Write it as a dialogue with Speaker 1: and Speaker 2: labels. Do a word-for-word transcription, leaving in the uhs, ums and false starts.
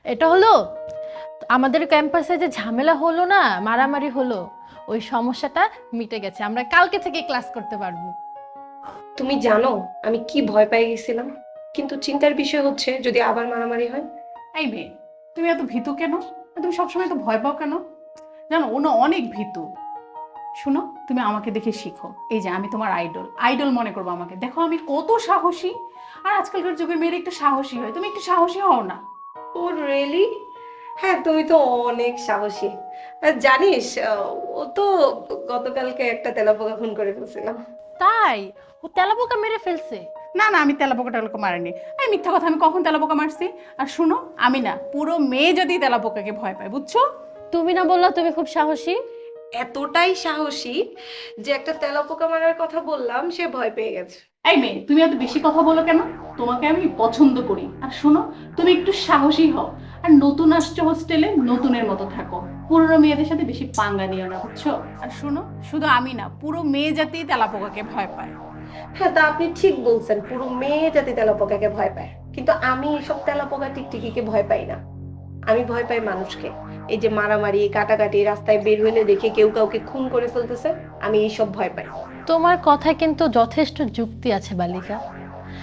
Speaker 1: এটা হলো আমাদের ক্যাম্পাসে যে ঝামেলা হলো না, মারামারি হলো, ওই সমস্যাটা মিটে গেছে। আমরা কালকে থেকে ক্লাস করতে পারবো।
Speaker 2: তুমি জানো আমি কি ভয় পেয়ে গেছিলাম, কিন্তু চিন্তার বিষয় হচ্ছে যদি আবার মারামারি হয়।
Speaker 3: এই মেয়ে, তুমি এত ভীতু কেন? আর তুমি সবসময় তো ভয় পাও কেন? জানো ও না অনেক ভীতু। শোনো, তুমি আমাকে দেখে শিখো। এই যে আমি তোমার আইডল, আইডল মনে করবো আমাকে। দেখো আমি কত সাহসী। আর আজকালকার যুগের মেয়েরা একটু সাহসী হয়, তুমি একটু সাহসী হও না?
Speaker 2: ও রিয়েলি? হ্যাঁ, তুমি তো অনেক সাহসী। আর জানিস আহ, ও তো গতকালকে একটা তেলাপোকা খুন করে ফেলছিলাম।
Speaker 1: তাই? ও তেলাপোকা মেরে ফেলছে?
Speaker 3: না না, আমি তেলাপোকা টেলাপোকা মারিনি। এই মিথ্যা কথা, আমি কখন তেলাপোকা মারছি? আর শুনো, আমি না পুরো মেয়ে যদি তেলাপোকাকে ভয় পায়, বুঝছো?
Speaker 1: তুমি না বললা তুমি খুব সাহসী?
Speaker 2: এতটাই সাহসী যে একটা তেলাপোকা মারার কথা বললাম সে ভয় পেয়ে গেছে।
Speaker 3: এই মেয়ে, তুমি এত বেশি কথা বলো কেন? তোমাকে আমি পছন্দ করি। আর শোনো, তুমি একটু সাহসী হও। আর নতুন আসছো হোস্টেলে, নতুনের মতো থাকো। পুরনো মেয়েদের সাথে বেশি পাঙ্গা নিও না, বুঝছো? আর শোনো, শুধু আমি না, পুরো মেয়ে জাতি তেলাপোকাকে ভয় পায়।
Speaker 2: হ্যাঁ, তা আপনি ঠিক বলছেন, পুরো মেয়ে জাতি তেলাপোকাকে ভয় পায়, কিন্তু আমি এসব তেলাপোকা টিকটিকিকে ভয় পাই না। আমি ভয় পাই মানুষকে। এই যে মারামারি কাটাকাটি, রাস্তায় বের হইলে দেখে কেউ কাউকে খুন করে ফেলতেছে, আমি এইসব ভয় পাই।
Speaker 1: তোমার কথায় কিন্তু যথেষ্ট যুক্তি আছে বালিকা।